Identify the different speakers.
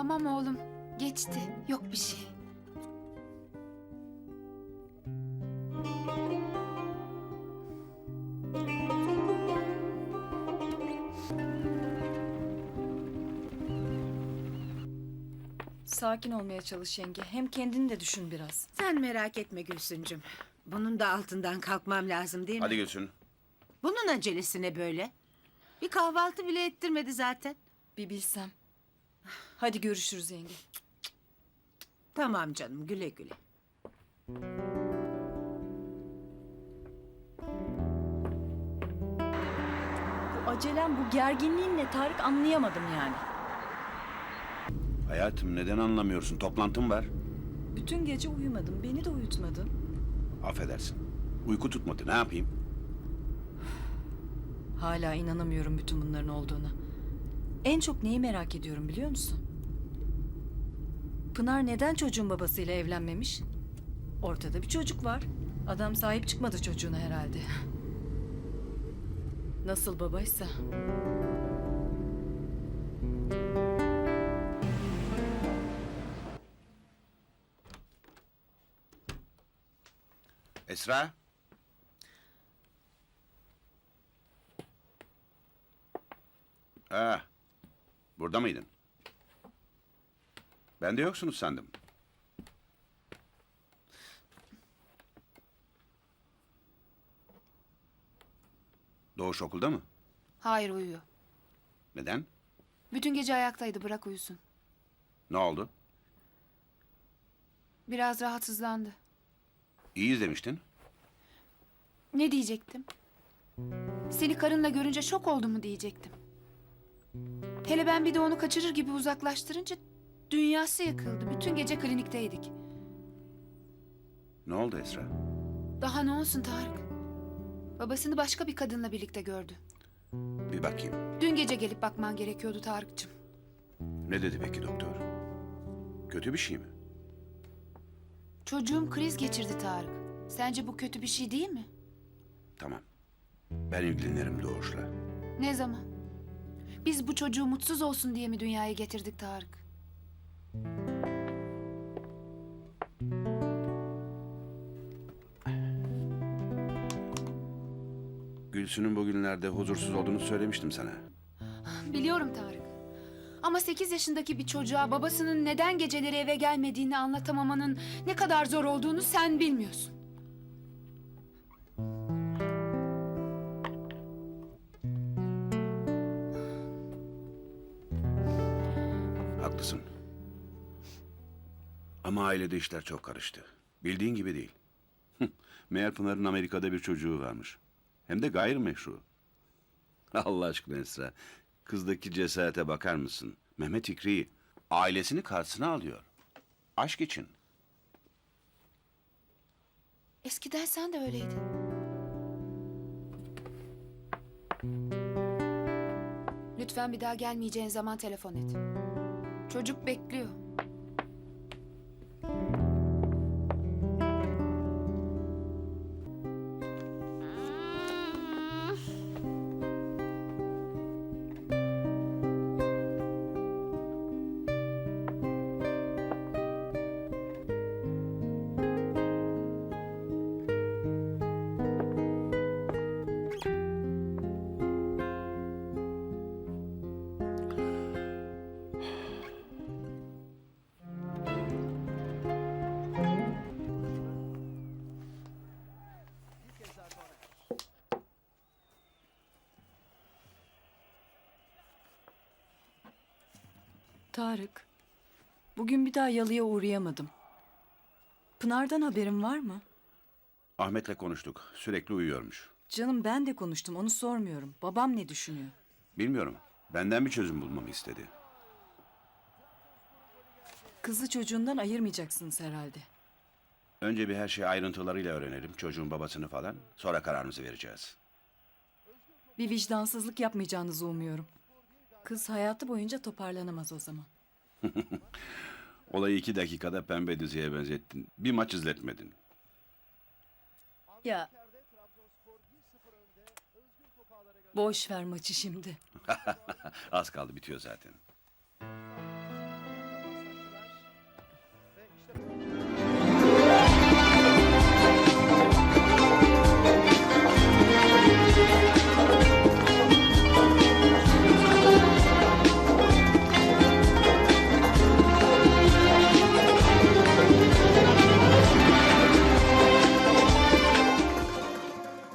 Speaker 1: Tamam oğlum. Geçti. Yok bir şey.
Speaker 2: Sakin olmaya çalış yenge. Hem kendini de düşün biraz.
Speaker 3: Sen merak etme Gülsüncüm. Bunun da altından kalkmam lazım değil mi?
Speaker 4: Hadi Gülsün.
Speaker 3: Bunun acelesi ne böyle? Bir kahvaltı bile ettirmedi zaten.
Speaker 2: Bir bilsem. Hadi görüşürüz yenge.
Speaker 3: Tamam canım, güle güle.
Speaker 2: Bu acelem, bu gerginliğinle Tarık anlayamadım yani.
Speaker 4: Hayatım neden anlamıyorsun? Toplantım var.
Speaker 2: Bütün gece uyumadım. Beni de uyutmadın.
Speaker 4: Affedersin. Uyku tutmadı. Ne yapayım?
Speaker 2: Hala inanamıyorum bütün bunların olduğuna. En çok neyi merak ediyorum biliyor musun? Pınar neden çocuğun babasıyla evlenmemiş? Ortada bir çocuk var. Adam sahip çıkmadı çocuğuna herhalde. Nasıl babaysa.
Speaker 4: Esra. Ha, burada mıydın? Ben de yoksunuz sandım. Doğuş okulda mı?
Speaker 1: Hayır, uyuyor.
Speaker 4: Neden?
Speaker 1: Bütün gece ayaktaydı, bırak uyusun.
Speaker 4: Ne oldu?
Speaker 1: Biraz rahatsızlandı.
Speaker 4: İyiyiz demiştin.
Speaker 1: Ne diyecektim? Seni karınla görünce şok oldu mu diyecektim. Hele ben bir de onu kaçırır gibi uzaklaştırınca dünyası yıkıldı. Bütün gece klinikteydik.
Speaker 4: Ne oldu Esra?
Speaker 1: Daha ne olsun Tarık? Babasını başka bir kadınla birlikte gördü.
Speaker 4: Bir bakayım.
Speaker 1: Dün gece gelip bakman gerekiyordu Tarık'cığım.
Speaker 4: Ne dedi peki doktor? Kötü bir şey mi?
Speaker 1: Çocuğum kriz geçirdi Tarık. Sence bu kötü bir şey değil mi?
Speaker 4: Tamam. Ben ilgilenirim Doğuş'la.
Speaker 1: Ne zaman? Biz bu çocuğu mutsuz olsun diye mi dünyaya getirdik Tarık?
Speaker 4: Gülsün'ün bugünlerde huzursuz olduğunu söylemiştim sana.
Speaker 1: Biliyorum Tarık. Ama 8 yaşındaki bir çocuğa babasının neden geceleri eve gelmediğini anlatamamanın ne kadar zor olduğunu sen bilmiyorsun.
Speaker 4: Haklısın. Ama ailede işler çok karıştı. Bildiğin gibi değil. Meğer Pınar'ın Amerika'da bir çocuğu varmış. Hem de gayrimeşru. Allah aşkına Esra. Kızdaki cesarete bakar mısın? Mehmet İkri'yi ailesini karşısına alıyor. Aşk için.
Speaker 1: Eskiden sen de öyleydin. Lütfen bir daha gelmeyeceğin zaman telefon et. Çocuk bekliyor.
Speaker 2: Tarık, bugün bir daha yalıya uğrayamadım. Pınar'dan haberin var mı?
Speaker 4: Ahmet'le konuştuk. Sürekli uyuyormuş.
Speaker 2: Canım ben de konuştum, onu sormuyorum. Babam ne düşünüyor?
Speaker 4: Bilmiyorum. Benden bir çözüm bulmamı istedi.
Speaker 2: Kızı çocuğundan ayırmayacaksınız herhalde.
Speaker 4: Önce bir her şeyi ayrıntılarıyla öğrenelim. Çocuğun babasını falan. Sonra kararımızı vereceğiz.
Speaker 2: Bir vicdansızlık yapmayacağınızı umuyorum. Kız hayatı boyunca toparlanamaz o zaman.
Speaker 4: Olayı 2 dakikada pembe diziye benzettin. Bir maç izletmedin.
Speaker 2: Ya boş ver maçı şimdi.
Speaker 4: Az kaldı bitiyor zaten.